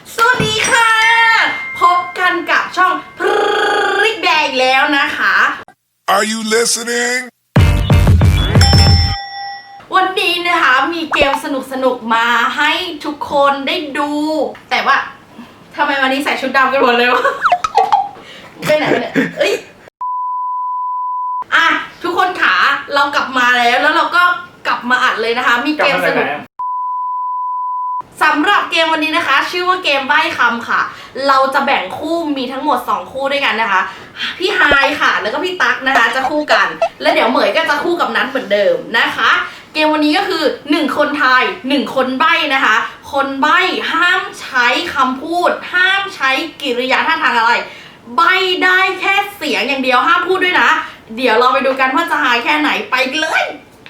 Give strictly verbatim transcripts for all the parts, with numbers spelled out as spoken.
สวัสดีค่ะพบกันกับช่องพริกแดงแล้วนะคะ Are you listening วันนี้นะคะมีเกมสนุกๆมาให้ทุกคนได้ดู แต่ว่าทำไมวันนี้ใส่ชุดดำกันหมดเลยวะไปไหนเนี่ยเอ้ยอ่ะทุกคนขาเรากลับมาแล้วแล้วเราก็กลับมาอัดเลยนะคะ มีเกมสนุกสำหรับเกมวันนี้นะคะชื่อว่าเกมใบ้คำค่ะเราจะแบ่งคู่มีทั้งหมดสองคู่ด้วยกันนะคะพี่ไฮค่ะแล้วก็พี่ตั๊กนะคะจะคู่กันแล้วเดี๋ยวเหมยก็จะคู่กับนัทเหมือนเดิมนะคะเกมวันนี้ก็คือหนึ่งคนทายหนึ่งคนใบ้นะคะคนใบ้ห้ามใช้คำพูดห้ามใช้กิริยาท่าทางอะไรใบ้ได้แค่เสียงอย่างเดียวห้ามพูดด้วยนะเดี๋ยวเราไปดูกันว่าจะหายแค่ไหนไปเลย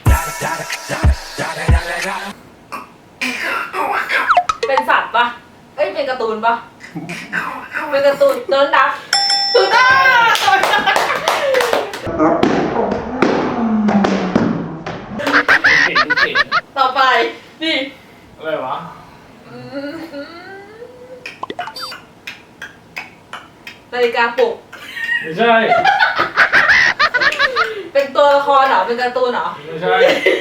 เป็นสัตว์ปะเอ้ยเป็นการ์ตูนปะเป็นการ์ตูนโดนดักตูด้าต่อไปนี่อะไรวะนาฬิกาปลุกไม่ใช่เป็นตัวละครเหรอเป็นการ์ตูนเหรอไม่ใช่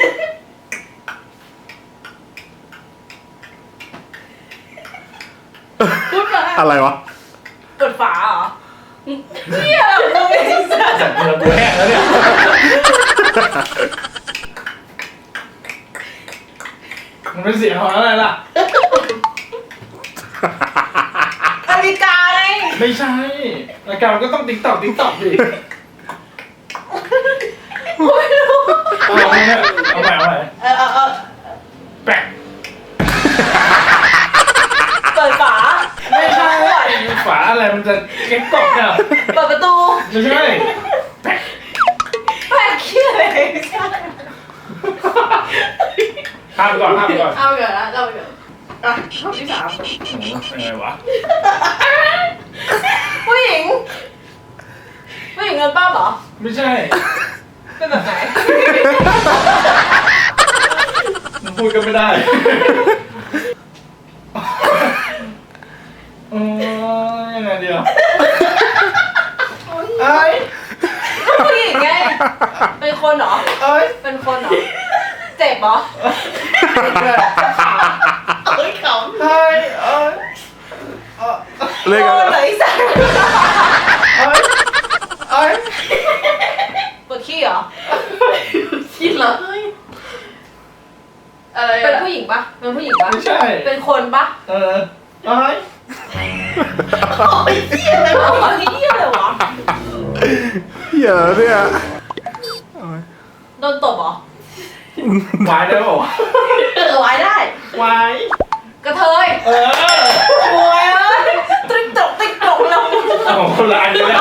พูดมาอะไรวะเปิดฝาเหรอเฮียเราไม่ได้สัตว์จับเรือกูแห้งแล้วเนี่ยมันเป็นเสียงของอะไรล่ะนาฬิกาไงไม่ใช่นาฬิกามันก็ต้องติ๊กตอกติ๊กตอกดิไม่รู้เอาใหม่เอาใหม่เอาใหม่เออเออเออแปะเปิดฝาไม่ใช่ฝาอะไรมันจะเก็บตอกเนี่ยเปิดประตูไม่ใช่แปะแปะเขี้ยอะไรข้ามก่อนข้ามก่อนเอาไปก่อนนะเอาไปก่อนอ่ะข้อที่สามยังไงวะผู้หญิงผู้หญิงเงินป้าเหรอไม่ใช่เป็นแบบไหนมันพูดกันไม่ได้เออยังไงเดียวเอ้ยผู้หญิงไงเป็นคนเหรอเอ้ยเป็นคนเหรอเจ็บเหรอเอ้ยขำเอ้ยเอ้ยเล่นกันไหนสักเอ้ยเอ้ยปวดขี้เหรอขี้เหรออะไรเป็นผู้หญิงปะเป็นผู้หญิงปะไม่ใช่เป็นคนปะเออเอ้ยโอ้ยเหี้ยอะไรวะเหี้ยอะไรวะเหี้ยเนี่ยโดนตบเหรอวายได้ป่าวเออวายได้วายกระเทยเออโอ้ยเอ้ยติ๊กตกติ๊กตกแล้วของคนละอันเลย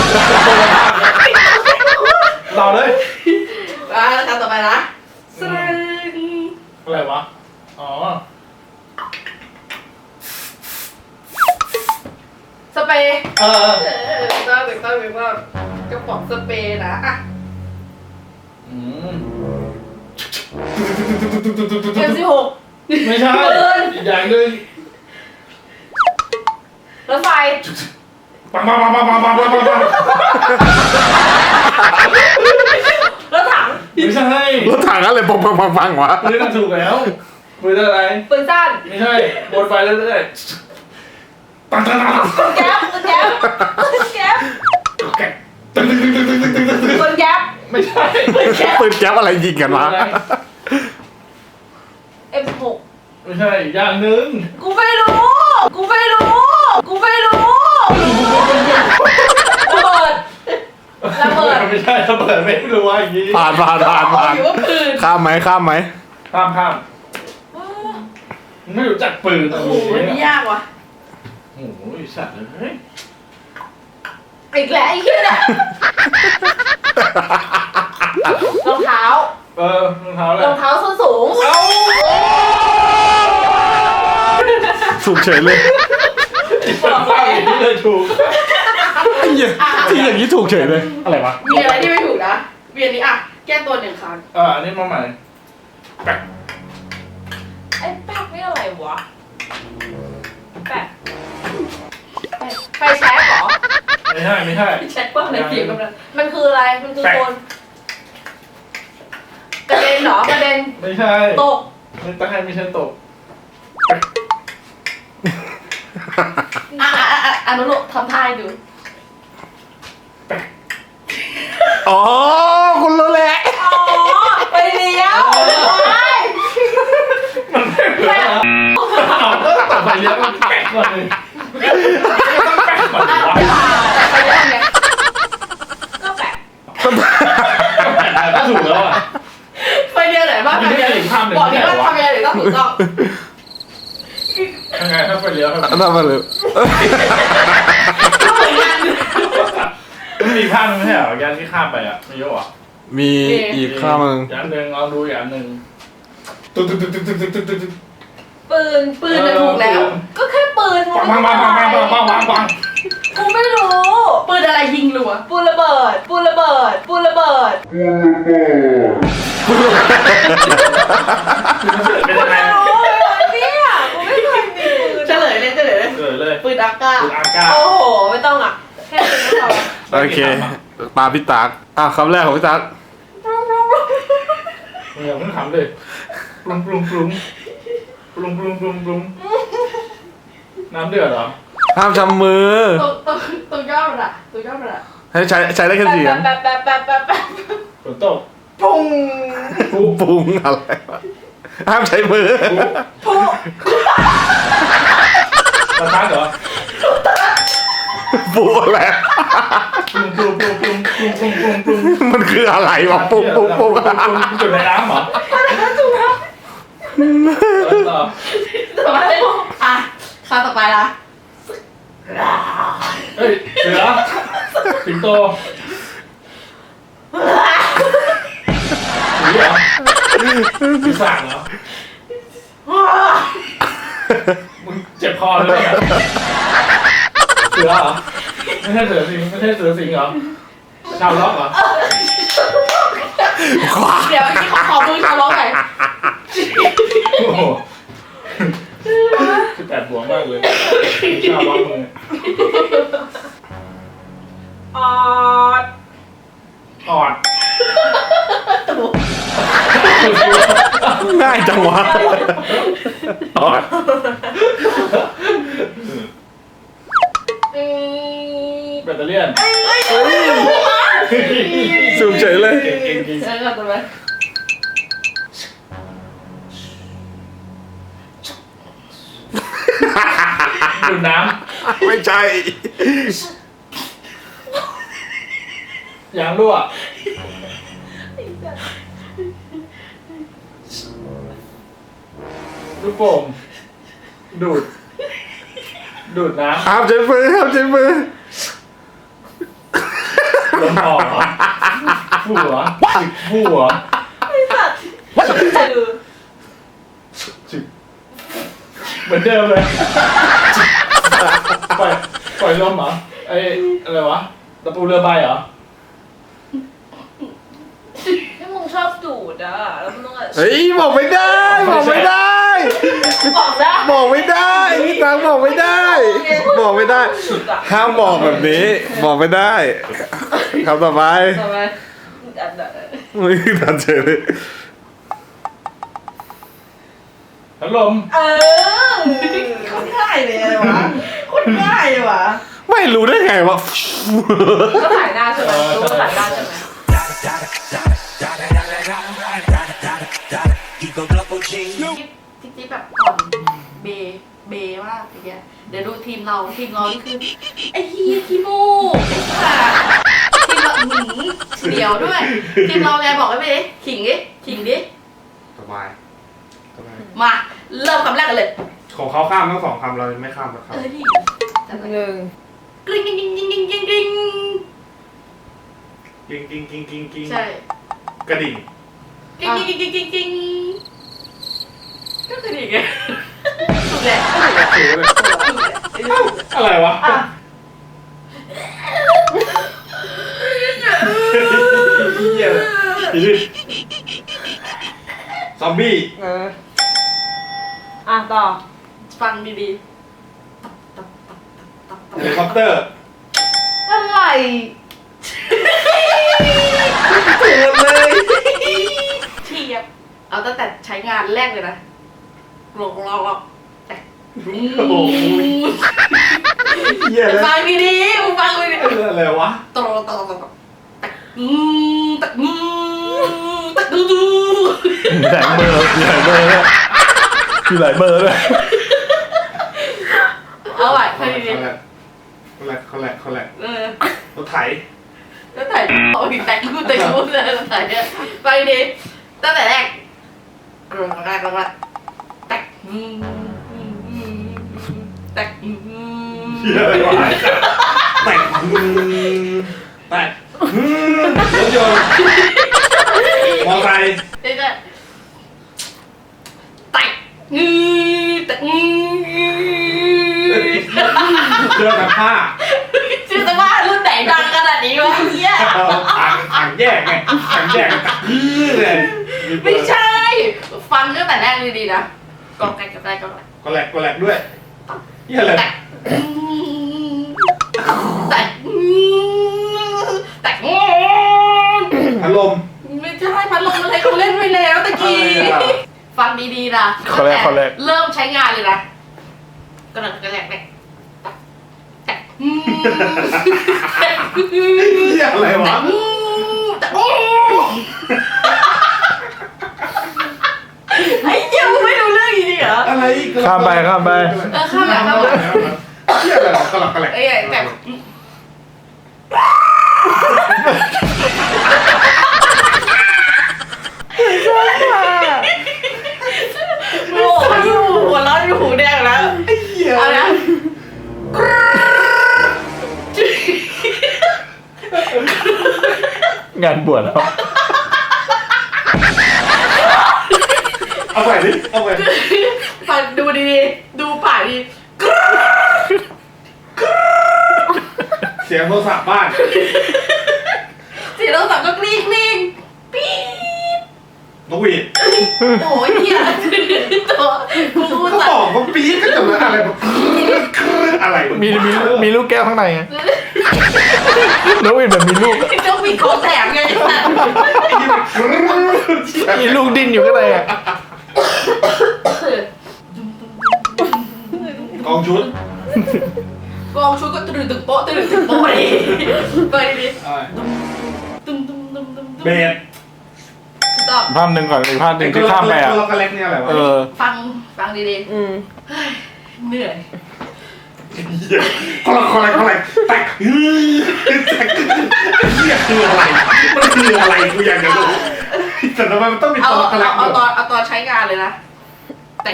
เราเลยอ่ะคำต่อไปนะสรึงอะไรวะอ๋อสเปรย์เออเออต้องต้องต้องต้องกระป๋องสเปรย์นะอ่ะอืมเอ็มสิบหกไม่ใช่อีกอย่างหนึ่งรถไฟปังปังปังปังปังปังปังปังรถถังไม่ใช่รถถังอะไรปังปังปังปังวะปืนถูกแล้วปืนอะไรปืนสั้นไม่ใช่บนไฟเรื่อยๆปังปังปังปืนแก๊ปปืนแก๊ปปืนแก๊ปแกะตึ้งตึ้งตึ้งตึ้งตึ้งตึ้งตึ้งปืนแก๊ปไม่ใช่ปืนแก๊ปอะไรยิงกันวะเอ็มสิบหกไม่ใช่อย่างหนึ่งกูไม่รู้กูไม่รู้กูไม่รู้ระเบิดระเบิดไม่ใช่ระเบิดไม่รู้ว่าอย่างนี้ผ่านผ่านผ่านผ่านข้ามไหมข้ามไหมข้ามข้ามไม่รู้จักปืนโอ้โหนี่ยากว่ะโอ้โหสัตว์เลยอีกแล้วไอ้เหี้ยเนี่ยรองเท้าเออรองเท้าอะไรรองเท้าส้นสูงเอ้าถูกเฉยเลยบอกไปที่เลยถูกที่อย่างนี้ถูกเฉยเลยอะไรวะมีอะไรที่ไม่ถูกนะเวียนนี้อ่ะแก้ตัวหนึ่งครั้งอ่าอันนี้มาใหม่แปะไอ้แป๊กนี่อะไรวะแป๊กไฟแช็กเหรอไม่ใช่ไม่ใช่แช็กว่าอะไรเกี่ยวกับมันมันคืออะไรมันคือโคนกระเด็นเหรอกระเด็นไม่ใช่ตกไม่ตั้งให้ไม่ใช่ตกอ่ะอ่ะอ่ะอ่ะอนุโลมทำท่าให้ดูอ๋อคุณรู้แหละอ๋อไปเลี้ยวไปมันไม่เหมือนนะเอาก็ตัดไปเยอะมันแปะก่อนเลยต้องแปะก่อนวะไปเลี้ยวเนี่ยก็แปะก็ถูกแล้วอ่ะไปเลี้ยวไหนบ้างไปเลี้ยวบอกดิว่าทำยังไงถึงต้องถูกต้องยังไงถ้าไปเลี้ยวครับทำมาเลยก็เหมือนกันมันมีภาพนึงไม่ใช่เหรอยันที่ข้ามไปอ่ะมีเยอะอ่ะมีอีกข้างนึงยันหนึ่งเอาดูยันหนึ่งตุ๊ดตุ๊ดตุ๊ดตุ๊ดตุ๊ดตุ๊ดตุ๊ดตุ๊ดปืนปืนจะถูกแล้ว ก็แค่ปืนวางวางวางวางวางวางวางวางกูไม่รู้ปืนอะไรยิงรัวปืนระเบิดปืนระเบิดปืนระเบิดเป็นยังไงโอ้ยเนี่ยกูไม่เคยมีปืนเฉลยเลยเฉลยเลยเกิดเลยปืนอากาศปืนอากาศโอ้โหไม่ต้องอ่ะแค่ปืนก็พอโอเคตาพี่ตักอ่ะคำแรกของพี่ตักมึงอย่าเพิ่งขำเลยปรุงปรุงปรุงปรุงปรุงปรุงปรุงน้ำเดือดเหรอห้ามจำมือตรงตรงตรงยอดมันอ่ะตรงยอดมันอ่ะให้ใช้ใช้ได้แค่เสียงแป๊บแป๊บแป๊บแป๊บแป๊บฝนตกปุ้งปุ๊บปรุงอะไรวะห้ามใช้มือปุ้งประทัดเหรอปรุงอะไรปรุงปรุงปรุงปรุงปรุงปรุงปรุงปรุงมันคืออะไรวะปรุงปรุงปรุงจุดในน้ำเหรอถูกแล้วต่อต่อไปอ่ะข้าต่อไปละเฮ้ยเสือสิงโตหมีเหรอปีศาจเหรอมึงเจ็บคอเลยเนี่ยเสือเหรอไม่ใช่เสือสิงไม่ใช่เสือสิงเหรอชาวล็อกเหรอเดี๋ยวพี่ขอขอมือชาวล็อกหน่อยโอ้โหสิบแปดบวกมากเลยชาวล็อกมือออดอ่อนง่ายจังวะอ๋ออืมแบตเตอรี่ยนสูงเฉยเลยเก่งเก่งเก่งเออต่อไปดูดน้ไม่ใช่ำยางรั่วลูกโป่งดูด ดูดน้ห้ามใช้มือห้ามใช้มือำลมออกเหรอฟู่เหรอจิกฟู่เหรอคือจิกเหมือนเดิมเลยปล่อยปล่อยลมเหรอไออะไรวะตะปูเรือใบเหรอถ้ามึงชอบดูดอ่ะแล้วมึงต้องอ่ะเฮ้ยบอกไม่ได้บอกไม่ได้บอกได้บอกไม่ได้พี่ตังบอกไม่ได้ บอกไม่ได้สุดอ่ะห้ามบอกแบบนี้ บอกไม่ได้คำต่อไปต่อไปอันนั้นไม่ทันเฉยเลยพัดลมเออคนง่ายเลยอะไรวะคนง่ายเลยวะไม่รู้ได้ไงวะก็ถ่ายหน้าใช่ไหมรู้ว่าถ่ายหน้าใช่ไหม จิ๊บจิ๊บแบบอ่อนเบเบมากอย่างเงี้ยเดี๋ยวดูทีมเราทีมเรานี่คือไอ้เฮียขี้มูกไอ้สัสทีมเราหนีเดี๋ยวด้วยทีมเราไงบอกไว้ไปดิขิงดิขิงดิสบายมาเริ่มคำแรกกันเลยของเขาข้ามทั้งสองคำเราไม่ข้ามสักคเออที่จัดไปหนึ่งกริ๊งกริ๊งกริ๊งกริ๊งกริ๊งกริ๊งกริ๊งำกิ้งกิ้งกิ้งกิ้งกิ้งใช่กระดิ่งกริ๊งกริ๊งกริ๊งกริ๊งกริ๊งก็คือดีไงถูกแหละถูเลยถูกแหละอะไรวะอ่ะเหี้ยเลยอีกซอมบี้เอออ่ะต่อฟังดีเฮลิคคอปเตอร์อะไรถูกเลยเทียบเอาตั้งแต่ใช้งานแรกเลยนะลงลองลองแต่โอ้โหเหี้ยเลยฟังดีๆมึงฟังดีอะไรวะๆตลอดตลอดตลอดแต่อืมแต่อืมแต่ดูดูมีหลายเบอร์มีหลายเบอร์ด้วยมีหลายเบอร์ด้วยเอาไว้ฟังดีคอลแลกคอลแลกคอลแลกคอลแลกๆเออรถไถแล้วถ่ายเอาอีกแต่กูแต่กูเลยถ่ายเนี่ยฟังดีๆตั้งแต่แรกกรงแรกแล้วว่าแต่อืมอืมอืมแต่อืมเหี้ยอะไรวะแตกอืมแตกอืมรถยนต์มอไซค์เดี๋ยวจะแต่อืมแต่อืมเสื้อซักผ้าชื่อสภาพรุ่นไหนดังขนาดนี้วะเฮียเอาอ่างอ่างแยกไงอ่างแยกกันตักยื้อเลยมีเบอไม่ร์ใช่ ฟังตั้งแต่แรกดีๆนะกองไก่กับไก่กองไก่คอลแลกคอลแลกด้วยเหี้ยอะไรแต่แต่แต่พัดลมไม่ใช่พัดลมอะไรเขาเล่นไปแล้วตะกี้อะไรอ่ะฟังดีๆนะข้อแรกข้อแรกเริ่มใช้งานเลยนะกระดักกระแดกเนี่ยแต่เหี้ยอะไรวะแต่ไอ้เหี้ยมึงไม่รู้เรื่องอีกเหรออะไรข้ามไปข้ามไปเออข้ามไปข้ามไปเหี้ยอะไรวะกระหลักกระแหลกเอ้ยแต่โอ้โหอยู่หัวเราะอยู่หูแดงแล้วไอ้เหี้ยเอาละงานบวชแล้วเอาไปดิเอาไปฟังดูดีๆดูป่ากดีเสียงโทรศัพท์บ้านเสียงเราสั่งก็กรี๊งกรี๊งปี๊ดนกหวีดโอ้ยเหี้ยตัวกูพูดเขาสับตอกว์ว่าปี๊ดก็จะมาอะไรแบบอะไรวะมีมีมีลูกแก้วข้างในไงน้องวินแบบมีลูกอะเจ้ามีของแถมไงสัตว์มีลูกดิ้นอยู่ข้างในอ่ะกองชุดกองชุดก็ตื่นตึงโป๊ะตื่นตึงโป๊ะดิเปิดดิอะไรตุ้มตุ้มตุ้มตุ้มเบสตอบภาพหนึ่งก่อนอีกภาพหนึ่งที่ข้ามไปอ่ะตัวกระเล็กเนี่ยอะไรวะเออฟังฟังดีอืมๆเหนื่อยเหี้ยคนละคนละคนละแตกเฮ้ยแตกเหี้ยคืออะไรมันคืออะไรกูอยากจะรู้แต่ทำไมมันต้องมีเอาตัวกระเล็เอากเอาตอนเอาตอนใช้งานเลยนะแต่ง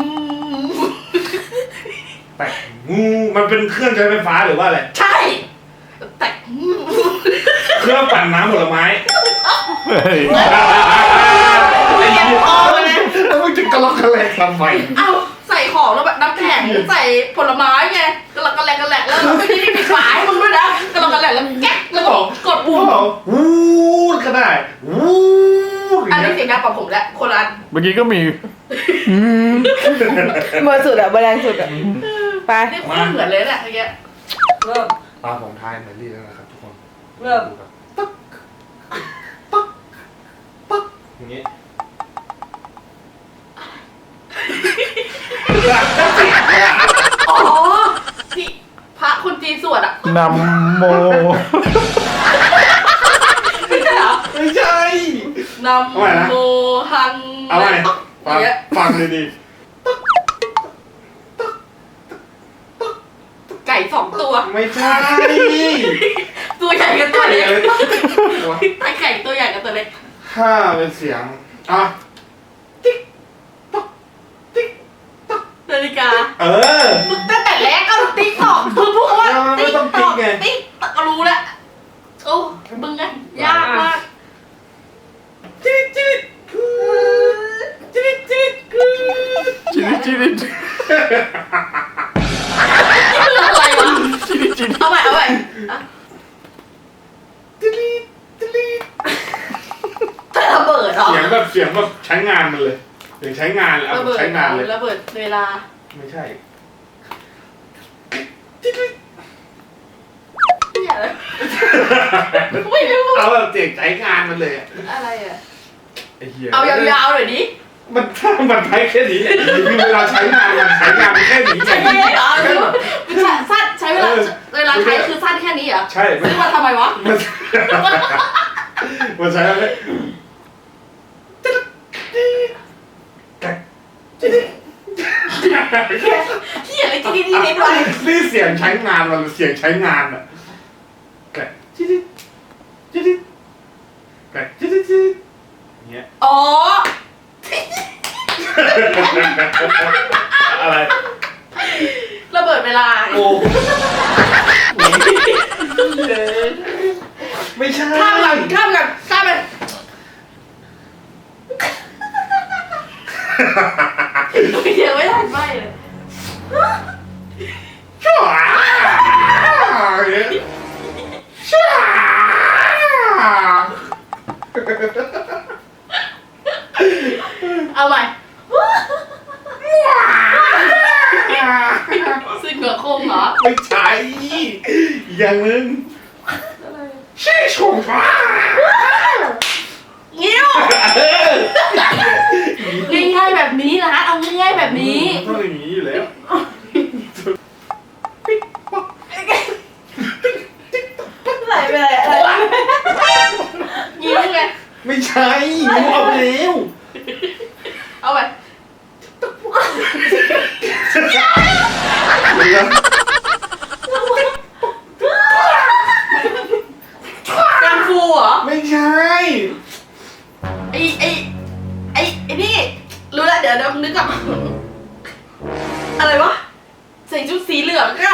แตกงูมันเป็นเครื่องใช้ไฟฟ้าหรือว่าอะไรใช่แต่เครื่องปั่นน้ำผลไม้เฮ้ยไอ้เหี้ยแล้วมึงจะกระลอกกระแลกทำไมเอาใส่ของแล้วแบบน้ำแข็งใส่ผลไม้ไงกระลักกระแหลกกระแหลกแล้วไม่ได้มีฝายมึงด้วยนะกระลักกระแหลกแล้วแก๊กแล้วก็กดปุ่มวูดก็ได้วูดอันนี้เสียงดังกว่าผมแล้วคนละอันเมื่อกี้ก็มีอืมเบอร์สุดอะเบอร์แรงสุดอะไปนี่โคตรเหมือนเลยเนี่ยเมื่อกี้เริ่มตาผมทายเหมือนลี่แล้วนะครับทุกคนเริ่มปั๊กปั๊กปั๊กอย่างงี้อ๋อที่พระคนจีนสวดอ่ะนำโมไม่ใช่เหรอไม่ใช่นำโมฮังเอาไงอฟัย่าง งเงี้ยฟังเลยดีไก่สองตัวไม่ใช่ตัวใหญ่กับตัวไก่เล็กอะไรวะไอไก่ตัวใหญ่กับตัวเล็กถ้าเป็นเสียงอ่ะติ๊กต๊อกติ๊กต๊อกนาฬิกาเออมึงตั้งแต่แรกก็ติ๊กตอกคือพูดว่าไม่ติ๊กต้องตติ๊อก กไงติ๊กตอกก็รู้แล้วโอ้มึงไงยากมากจิ๊ดจิ๊ดจิ๊ดจิ๊ดจิริจิริคืออะไรวะจิริจิริเอาใหม่เอาใหม่อ่ะจิ๊ดจิ๊ดเธอระเบิดเหรอเสียงแบบเสียงแบบใช้งานมันเลยเสียงใช้งานเลยเอาระแบบเบิดใช้งานเลยระเบิดเวลาไม่ใช่จิ๊ดจิ๊ดไม่รู้เอาแบบเสียงใช้งานมันเลยอะอะไรอ่ะไอ้เหี้ยเอายาวๆหน่อยดิมันถ้ามันใช้แค่นี้แหละคือเวลาใช้งานมันใช้งานแค่นี้ใช่ไหมเหรอสั้นใช้เวลาเวลาใช้คือสั้นแค่นี้เหรอใช่ซื้อมาทำไมวะมันมันใช้อะไรที่อะไรที่นี่นี่นี่ด้วยนี่เสียงใช้งานมันเสียงใช้งานอะแกะจิ๊ดจิ๊ดแกะจิ๊ดจิ๊ดเงี้ยอ๋ออะไรระเบิดเวลาโอ้ไม่ใช่ข้ามกันข้ามกันข้ามไปเดี๋ยวไม่ทันไม่เลยชั่วชั่วเอาใหม่ซึ่งเหงือโค้งเหรอไม่ใช่อย่างนึงชี่ชงฟ้างิ้วง่ายๆแบบนี้นะเอาง่ายๆแบบนี้ต้องอย่างนี้อยู่แล้วไหลไปไหนอะไรงิ้วไงไม่ใช่มึงเอาไปแล้วเอาไปเดี๋ยวกังฟูเหรอไม่ใช่ไอ้ไอ้ไอ้ไอ้นี่รู้แล้วเดี๋ยวเดี๋ยวนึกกลับอะไรวะใส่ชุดสีเหลืองก็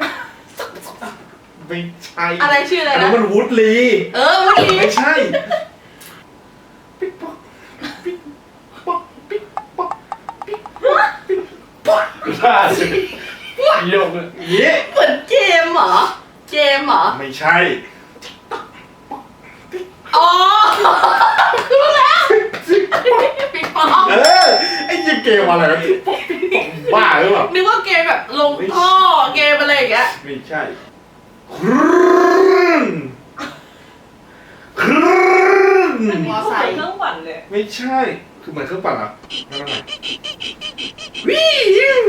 ไม่ใช่อะไรชื่ออะไรนะนนั้นมันวูดลีเออวันนี้ไม่ใช่ปิ๊กป๊อกปิ๊กป๊อกปิ๊กป๊อกปิ๊กป๊อกปิ๊กป๊อกได้สิโยกเลยเย้เหมือนเกมเหรอเกมเหรอไม่ใช่อ๋อรู้แล้วปิงปองเออไอ้ยี่เกมอะไรวะปิ๊กป๊อกปิ๊กป๊อกบ้าหรือเปล่านึกว่าเกมแบบลงท่อเกมอะไรอย่างเงี้ยไม่ใช่ครึ่นครึ่นมอไซค์เครื่องปั่นเลยไม่ใช่คือเหมือนเครื่องปั่นเหรอไม่ต้องไหนวิว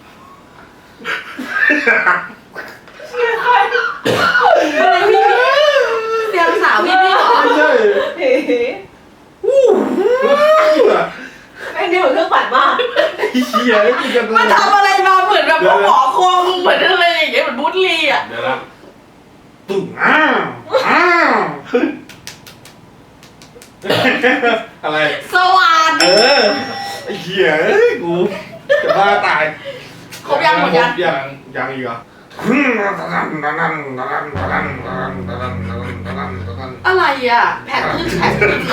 อะไรพี่เสียงสาวพี่พี่เหรอไม่ใช่เฮ้วู้วู้ไอ้นี่เหมือนเครื่องปั่นมากไอ้เหี้ยกูจะมันทำอะไรมาเหมือนแบบพวกหมอคงเหมือนอะไรอย่างเงี้ยเหมือนบูธลีอ่ะเดี๋ยวนะตุ่งอ้าวอ้าวอะไรสวัสเอดีอไอ้เหี้ยเอ้ยกูจะบ้าตายครบยังหมดยังยังยังอีกเหรออะไรอ่ะแผดทึ่งแผดทึ่ง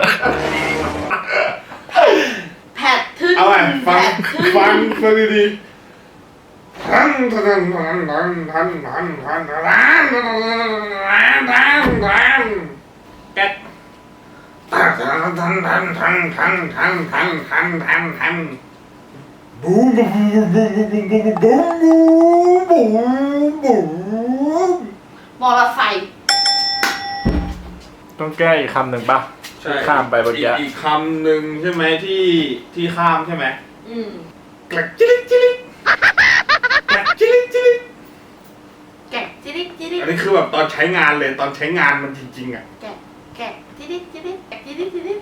แผดทึ่งเอาไงฟังแผดทึ่งฟังฟังดีๆทันทันทันทันทันทันทันทันทันทันแก๊กทันทันทันทันทันทันทันทันทันทันทันบูมบูมบูมบูมบูมบูมบูมบูมบูมมอเตอร์ไซค์ต้องแก้อีกคำหนึ่งป่ะที่ข้ามไปเมื่อกี้อีกคำหนึ่งใช่ไหมที่ที่ข้ามใช่ไหมอืมกลักจิลิจิลิกลักจิลิจิลิแกะจิริจิริอันนี้คือแบบตอนใช้งานเลยตอนใช้งานมันจริงๆอ่ะแกะแกะจิริจิริแกะจิริจิริ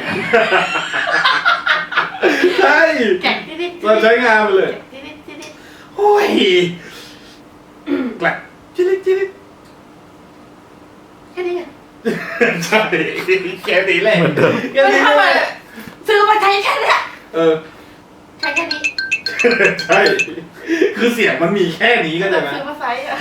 ใช่แกะจิริตอนใช้งานมันเลยแกะจิริจิริโอ้ยกลักจิลิจิลิแค่นี้ไงใช่แค่นี้แหละเหมือนเดิมแค่ไม่นี้ทำแหไมละซื้อมาใช้แค่เนี้ยเออใช้แค่นี้ใช่คือเสียงมันมีแค่นี้ก็ได้ไหมซื้อมาใช้อะ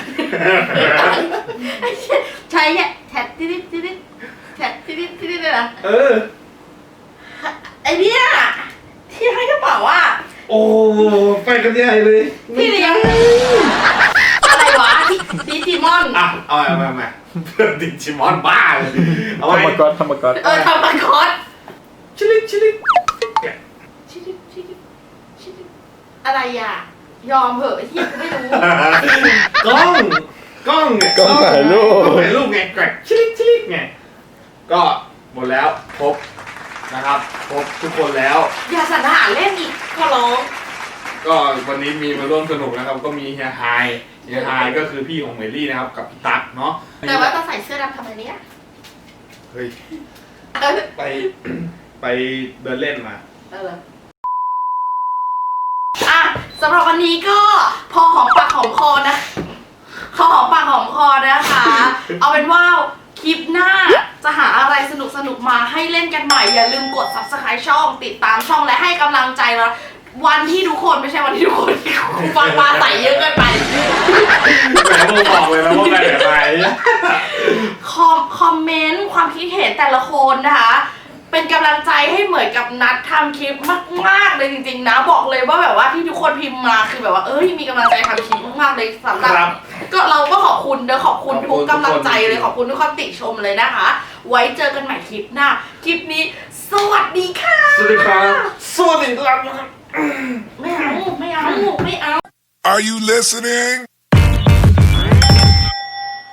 ใช้แค่แท็ดจิริจิริแท็ดจิริจิริเลยนะเออไอเนี้ยที่ให้กระเป๋าอ่ะโอ้ไปกันใหญ่เลยที่เลี้ยงอะไรวะดิจิมอนอ่ะเอาไปเอาไปเอาไปดิจิมอนบ้าเลยเอาธรรมไปกรธรรมกรเออทำมาคอสชิลิชิลิชิริชิริชิริอะไรอ่ะ ยอมเหอะไอ้เหี้ยกูไม่รู้กล้องกล้องเนี่ยกล้องถ่ายรูปกล้องถ่ายรูปไงแกรกชิลิกชิลิกไงก็หมดแล้วครบนะครับครบทุกคนแล้วอย่าสันหาเล่นอีกขอร้องก็วันนี้มีมาร่วมสนุกนะครับ ก็มีเฮียไฮเฮียไฮก็คือพี่ของเมลี่นะครับกับพี่ตั๊กเนาะแต่ว่าต้องใส่เสื้อดำทำไมเนี่ยเฮ้ยเออไป ไปเดินเล่นมาเอออ่ะสำหรับวันนี้ก็พอหอมปากหอมคอนะพอหอมปากหอมคอนะคะ เอาเป็นว่าคลิปหน้าจะหาอะไรสนุกสนุกๆมาให้เล่นกันใหม่ อย่าลืมกด ซับสไครบ์ ช่องติดตามช่องและให้กำลังใจเราวันที่ทุกคนไม่ใช่วันที่ทุกคนฟังมาใส่เยอะเกินไปแหมผมบอกเลยนะว่าไปไหนไปคอมคอมเมนต์ความคิดเห็นแต่ละคนนะคะ เป็นกำลังใจให้เหมือนกับนัดทำคลิปมากๆเลยจริงๆนะบอกเลยว่าแบบว่าที่ทุกคนพิมพ์มาคือแบบว่าเอ้ยมีกำลังใจทำคลิปมากๆเลยสำหรับครับก็เราก็ขอบคุณเด้อขอบคุณขอบทุคุกณกำลังใจทุกคนเลยขอบคุณทุกคำติชมเลยนะคะ ไว้เจอกันใหม่คลิปหน้าคลิปนี้ สวัสดีค่ะสวัสดีครับสวัสดีครับไม่เอาไม่เอาไม่เอา Are you listening?